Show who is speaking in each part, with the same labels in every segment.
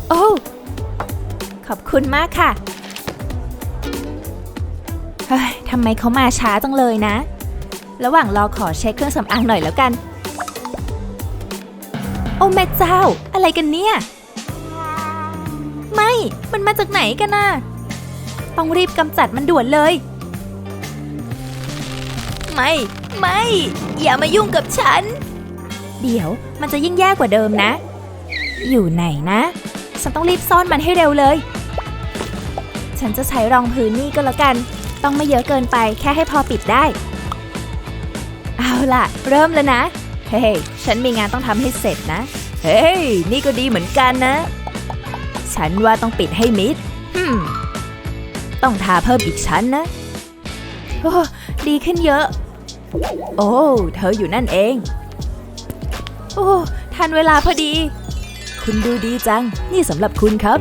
Speaker 1: โอ้ขอบคุณมากค่ะเฮ้ยทำไมเขามาช้าจังเลยนะระหว่างรอขอเช็คเครื่องสำอางหน่อยแล้วกันโอ้แม่เจ้าอะไรกันเนี่ยไม่มันมาจากไหนกันน่ะต้องรีบกำจัดมันด่วนเลยไม่อย่ามายุ่งกับฉันเดี๋ยวมันจะยิ่งแย่กว่าเดิมนะอยู่ไหนนะฉันต้องรีบซ่อนมันให้เร็วเลยฉันจะใช้รองพื้นนี่ก็แล้วกันต้องไม่เยอะเกินไปแค่ให้พอปิดได้เอาล่ะเริ่มแล้วนะเฮ้ยฉันมีงานต้องทำให้เสร็จนะเฮ้ยนี่ก็ดีเหมือนกันนะฉันว่าต้องปิดให้มิดต้องทาเพิ่มอีกชั้นนะโอ้ดีขึ้นเยอะโอ้เธออยู่นั่นเองโอ้ทันเวลาพอดีคุณดูดีจังนี่สำหรับคุณครับ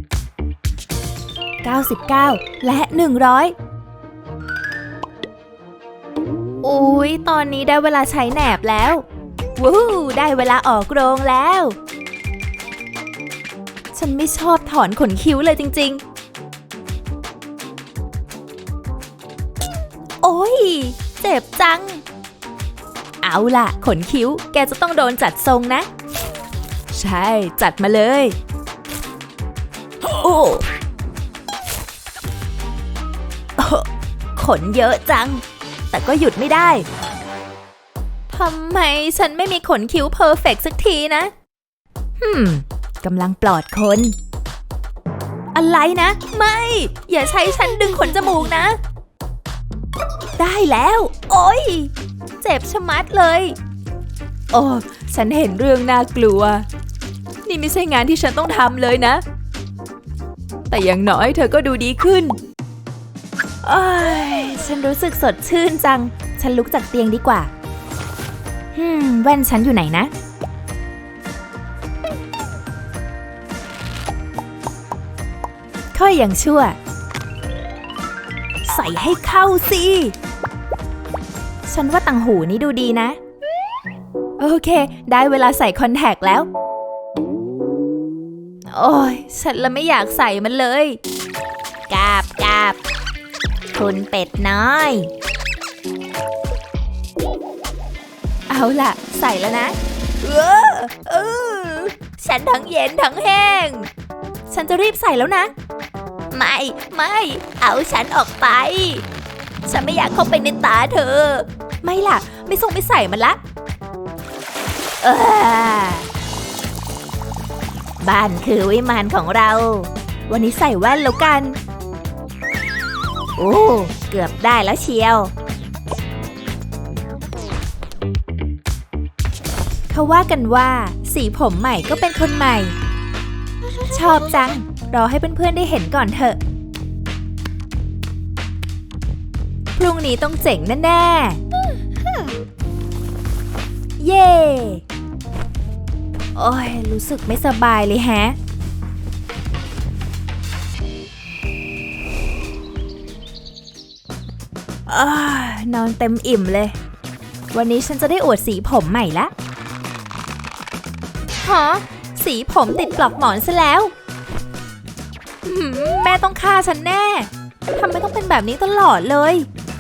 Speaker 1: 99และ100อุ๊ยตอนนี้ได้เวลาใช้แหนบแล้ววู้ได้เวลาออกโรงแล้วฉันไม่ชอบถอนขนคิ้วเลยจริงๆโอ้ยเจ็บจังเอาล่ะขนคิ้วแกจะต้องโดนจัดทรงนะใช่จัดมาเลยโอ้ขนเยอะจังแต่ก็หยุดไม่ได้ทำไมฉันไม่มีขนคิ้วเพอร์เฟกต์สักทีนะกำลังปลอดคนอะไรนะไม่อย่าใช้ฉันดึงขนจมูกนะได้แล้วโอ๊ยเจ็บชะมัดเลยโอ้ฉันเห็นเรื่องน่ากลัวนี่ไม่ใช่งานที่ฉันต้องทำเลยนะแต่อย่างน้อยเธอก็ดูดีขึ้นโอ้ยฉันรู้สึกสดชื่นจังฉันลุกจากเตียงดีกว่าแว่นฉันอยู่ไหนนะค่อยอย่างชั่วใส่ให้เข้าสิฉันว่าต่างหูนี้ดูดีนะโอเคได้เวลาใส่คอนแทคแล้วโอ้ยฉันละไม่อยากใส่มันเลยกาบคุณเป็ดน้อยเอาล่ะใส่แล้วนะฉันทั้งเย็นทั้งแห้งฉันจะรีบใส่แล้วนะไม่เอาฉันออกไปฉันไม่อยากเข้าไปในตาเธอไม่ล่ะไม่ส่งไม่ใส่มันละบ้านคือวิมานของเราวันนี้ใส่แว่นแล้วกันโอ้เกือบได้แล้วเชียวเขาว่ากันว่าสีผมใหม่ก็เป็นคนใหม่ชอบจังรอให้เพื่อนๆได้เห็นก่อนเถอะพรุ่งนี้ต้องเจ๋งแน่ๆเย่โอ้ยรู้สึกไม่สบายเลยแฮะนอนเต็มอิ่มเลยวันนี้ฉันจะได้อวดสีผมใหม่ละฮะสีผมติดปลอกหมอนซะแล้วแม่ต้องฆ่าฉันแน่ทำไมต้องเป็นแบบนี้ตลอดเลย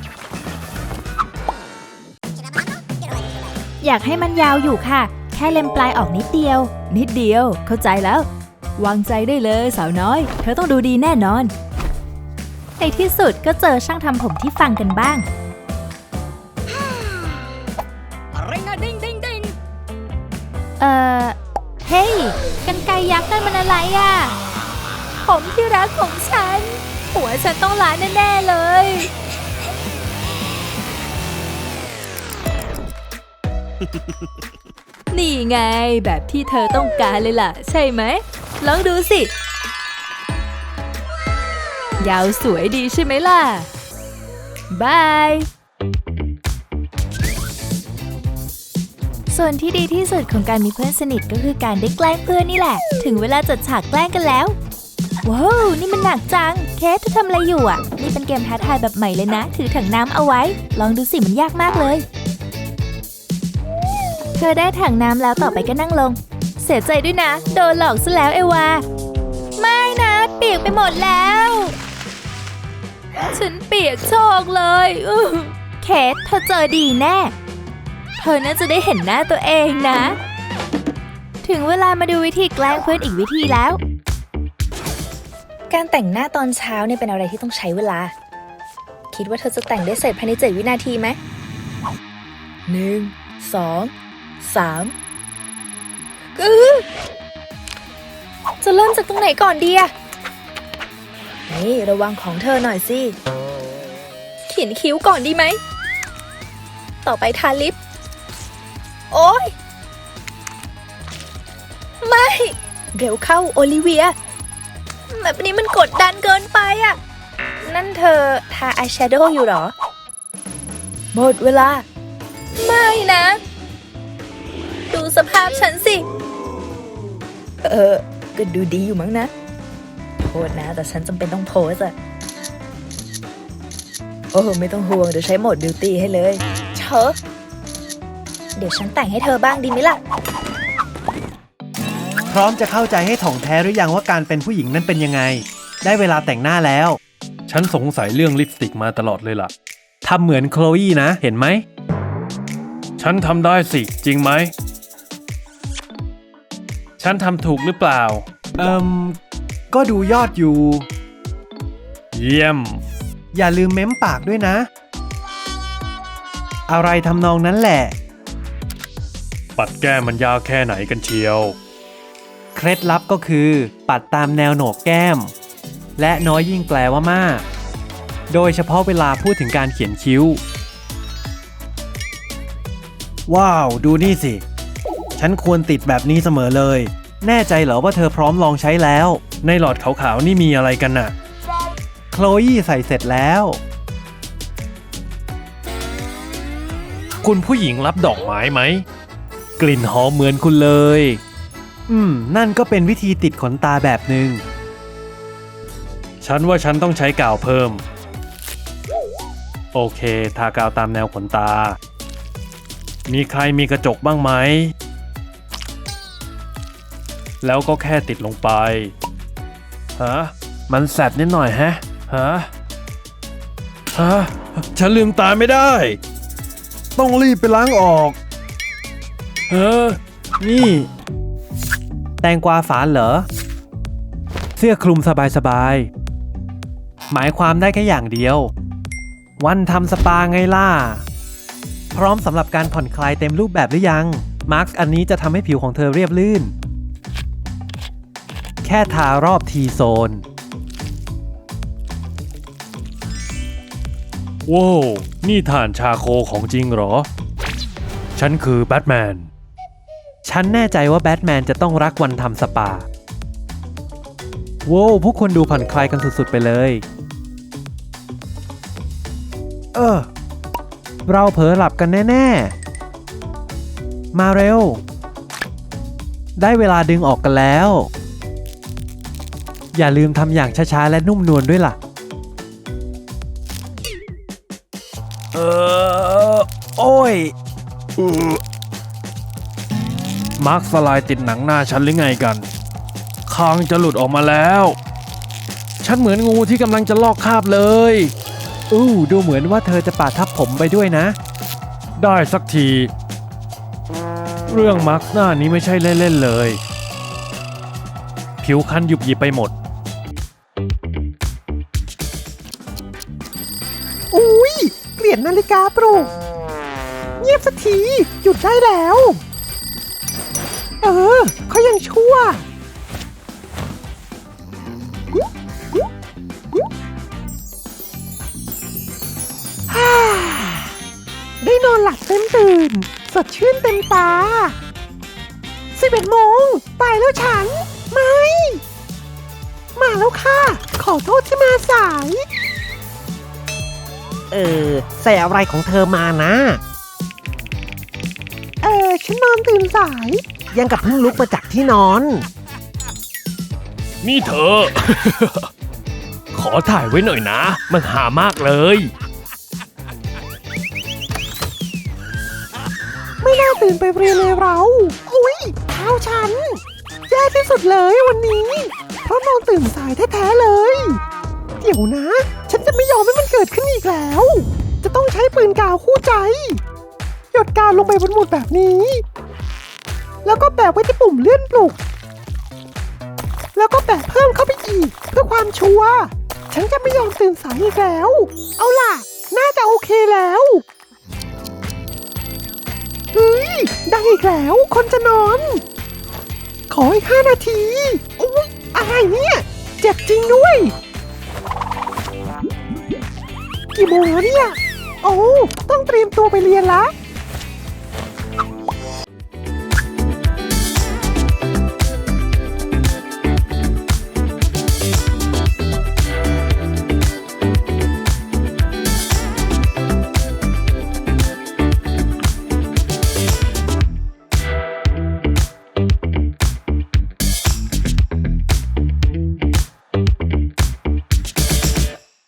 Speaker 1: อยากให้มันยาวอยู่ค่ะแค่เล็มปลายออกนิดเดียวเข้าใจแล้ววางใจได้เลยสาวน้อยเธอต้องดูดีแน่นอนในที่สุดก็เจอช่างทำผมที่ฟังกันบ้าง
Speaker 2: อะไรนะดิ้ง
Speaker 1: เฮ้ยกรรไกรยักษ์นั่นมันอะไรอ่ะผมที่รักของฉันหัวฉันต้องล้านแน่ๆเลยนี่ไงแบบที่เธอต้องการเลยล่ะใช่ไหมลองดูสิยาวสวยดีใช่ไหมล่ะบายส่วนที่ดีที่สุดของการมีเพื่อนสนิทก็คือการได้แกล้งเพื่อนนี่แหละถึงเวลาจัดฉากแกล้งกันแล้วว้าวนี่มันหนักจังเคสเธอทำอะไรอยู่อ่ะนี่เป็นเกมท้าทายแบบใหม่เลยนะถือถังน้ำเอาไว้ลองดูสิมันยากมากเลยเธอได้ถังน้ำแล้วต่อไปก็นั่งลงเสียใจด้วยนะโดนหลอกซะแล้วเอวาไม่นะเปียกไปหมดแล้ว ฉันเปียกโชกเลยเคทเธอเจอดีแน่ เธอน่าจะได้เห็นหน้าตัวเองนะ ถึงเวลามาดูวิธีแกล้งเพื่อนอีกวิธีแล้ว การแต่งหน้าตอนเช้าเนี่ยเป็นอะไรที่ต้องใช้เวลา คิดว่าเธอจะแต่งได้เสร็จภายใน7 วินาทีไหม1 2 3จะเริ่มจากตรงไหนก่อนดีอะนี่ระวังของเธอหน่อยสิเขียนคิ้วก่อนดีไหมต่อไปทาลิปโอ๊ยไม่เร็วเข้าโอลิเวียแบบนี้มันกดดันเกินไปอะนั่นเธอทาอายแชโดว์อยู่เหรอหมดเวลาไม่นะดูสภาพฉันสิก็ดูดีอยู่มั้งนะโทษนะแต่ฉันจำเป็นต้องโพสอะไม่ต้องห่วงเดี๋ยวใช้โหมดบิวตี้ให้เลยเชอะเดี๋ยวฉันแต่งให้เธอบ้างดีไหมล่ะ
Speaker 3: พร้อมจะเข้าใจให้ถ่องแท้หรือยังว่าการเป็นผู้หญิงนั้นเป็นยังไงได้เวลาแต่งหน้าแล้ว
Speaker 4: ฉันสงสัยเรื่องลิปสติกมาตลอดเลยล่ะ
Speaker 3: ทำเหมือนโคลอี้นะเห็นไหม
Speaker 4: ฉันทำได้สิจริงไหมฉันทำถูกหรือเปล่า
Speaker 3: ก็ดูยอดอยู่
Speaker 4: เยี่ยม
Speaker 3: อย่าลืมเม้มปากด้วยนะอะไรทำนองนั้นแหละ
Speaker 4: ปัดแก้มมันยาวแค่ไหนกันเชียว
Speaker 3: เคล็ดลับก็คือปัดตามแนวโหนกแก้มและน้อยยิ่งแปลว่ามากโดยเฉพาะเวลาพูดถึงการเขียนคิ้วว้าวดูนี่สิฉันควรติดแบบนี้เสมอเลยแน่ใจเหรอว่าเธอพร้อมลองใช้แล้ว
Speaker 4: ในหลอดขาวๆนี่มีอะไรกันน่ะ
Speaker 3: โคลอี้ใส่เสร็จแล้ว
Speaker 4: คุณผู้หญิงรับดอกไม้ไหมกลิ่นหอมเหมือนคุณเลย
Speaker 3: นั่นก็เป็นวิธีติดขนตาแบบหนึ่ง
Speaker 4: ฉันว่าฉันต้องใช้กาวเพิ่มโอเคทากาวตามแนวขนตามีใครมีกระจกบ้างไหมแล้วก็แค่ติดลงไปมันแสบนิดหน่อยฉันลืมตาไม่ได้ต้องรีบไปล้างออก
Speaker 3: นี่แตงกวาฝานเหรอเสื้อคลุมสบายๆหมายความได้แค่อย่างเดียววันทำสปาไงล่ะพร้อมสำหรับการผ่อนคลายเต็มรูปแบบหรือยังมาร์คอันนี้จะทำให้ผิวของเธอเรียบลื่นแค่ทารอบทีโซน
Speaker 4: ว้าวนี่ถ่านชาโคของจริงเหรอฉันคือแบทแมน
Speaker 3: ฉันแน่ใจว่าแบทแมนจะต้องรักวันทำสปาว้าวพวกคนดูผ่อนคลายกันสุดๆไปเลยเราเผลอหลับกันแน่ๆมาเร็วได้เวลาดึงออกกันแล้วอย่าลืมทำอย่างช้าๆและนุ่มนวลด้วยล่ะโอ้ย
Speaker 4: มาร์คสไลด์ติดหนังหน้าฉันหรือไงกันคางจะหลุดออกมาแล้วฉันเหมือนงูที่กำลังจะลอกคราบเลย
Speaker 3: ดูเหมือนว่าเธอจะปาดทับผมไปด้วยนะ
Speaker 4: ได้สักทีเรื่องมาร์คหน้านี้ไม่ใช่เล่นๆเลยผิวคันยุบยิบไปหมด
Speaker 5: เกลียดนาฬิกาปลุกเงียบสักทีหยุดได้แล้วเขายังชั่วได้นอนหลับเต็มตื่นสดชื่นเต็มตา11 โมงตายแล้วฉันไม่มาแล้วค่ะขอโทษที่มาสาย
Speaker 3: ใส่อะไรของเธอมานะ
Speaker 5: ฉันนอนตื่นสาย
Speaker 3: ยังกับเพิ่งลุกมาจากที่นอน
Speaker 4: นี่เธอ ขอถ่ายไว้หน่อยนะมันหามากเลย
Speaker 5: ไม่น่าตื่นไปเรียนเลยเราอุ้ยเท้าฉันแย่ที่สุดเลยวันนี้ราะนอนตื่นสายแท้ๆเลย เดี๋ยวนะ ฉันจะไม่ยอมให้มันเกิดขึ้นอีกแล้ว จะต้องใช้ปืนกาวคู่ใจ หยดกาวลงไปบนหมุดแบบนี้ แล้วก็แปะไว้ที่ปุ่มเลื่อนปลุก แล้วก็แปะเพิ่มเข้าไปอีกเพื่อความชัวร์ ฉันจะไม่ยอมตื่นสายอีกแล้ว เอาล่ะ น่าจะโอเคแล้วเฮ้ย ได้อีกแล้ว คนจะนอน ขออีก5 นาทีอุ๊ยอะไรเนี่ย เจ็บจริงด้วย กี่โมงแล้วเนี่ย โอ้ต้องเตรียมตัวไปเรียนละ